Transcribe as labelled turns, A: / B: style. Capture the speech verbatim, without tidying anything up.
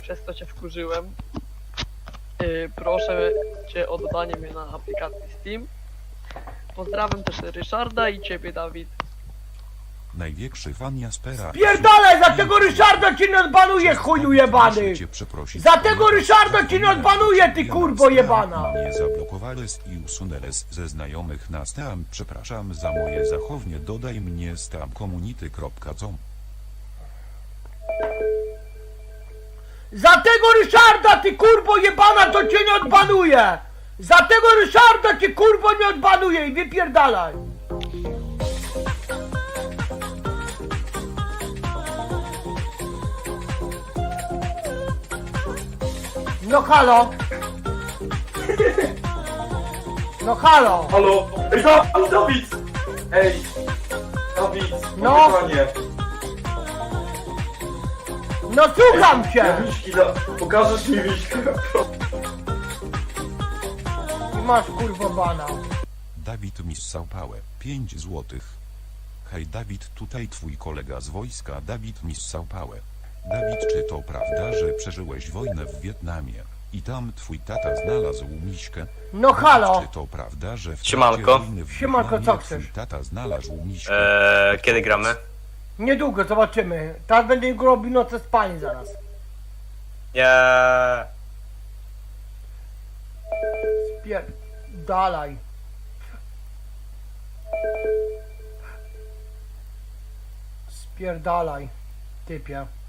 A: przez co cię wkurzyłem. Yy, proszę cię o dodanie mnie na aplikacji Steam. Pozdrawiam też Ryszarda i ciebie, Dawid.
B: Największy fan Jaspera.
C: Pierdolę, za tego Ryszarda ci nie odbanuje, chuju jebany!
B: Muszę cię przeprosić,
C: Za tego
B: ponieważ
C: Ryszarda ci nie
B: zapomniałem,
C: odbanuje,
B: że
C: ty
B: ja
C: kurwo
B: na
C: jebana!
B: Steam Mnie zablokowałeś i usunęłeś ze znajomych na Steam. Przepraszam za moje zachowanie. Dodaj mnie steamcommunity.com.
C: Za tego Ryszarda, ty kurwo jebana, to cię nie odbanuje! Za tego Ryszarda cię kurwo nie odbanuje i wypierdalaj! No halo! No halo!
D: Halo? Ej, Dawid, Dawid! Ej! Dawid,
C: No.
D: panie.
C: No słucham
D: Ja
C: cię!
D: Miśki, da... pokażesz mi Miśkę?
C: I masz kurwo bana.
B: Dawid missał pałę. pięć złotych. Hej Dawid, tutaj twój kolega z wojska. Dawid missał pałę. Dawid, czy to prawda, że przeżyłeś wojnę w Wietnamie i tam twój tata znalazł miśkę?
C: No
B: Dawid,
C: halo!
B: czy to prawda, że w trakcie
E: Siemanko.
B: wojny w
C: Siemanko, co
B: Wietnamie
C: chcesz?
B: twój tata znalazł miśkę?
E: Eee, kiedy gramy?
C: Niedługo zobaczymy. Teraz będę robił noce spanie zaraz.
E: Nie.
C: Spierdalaj. Spierdalaj, typie.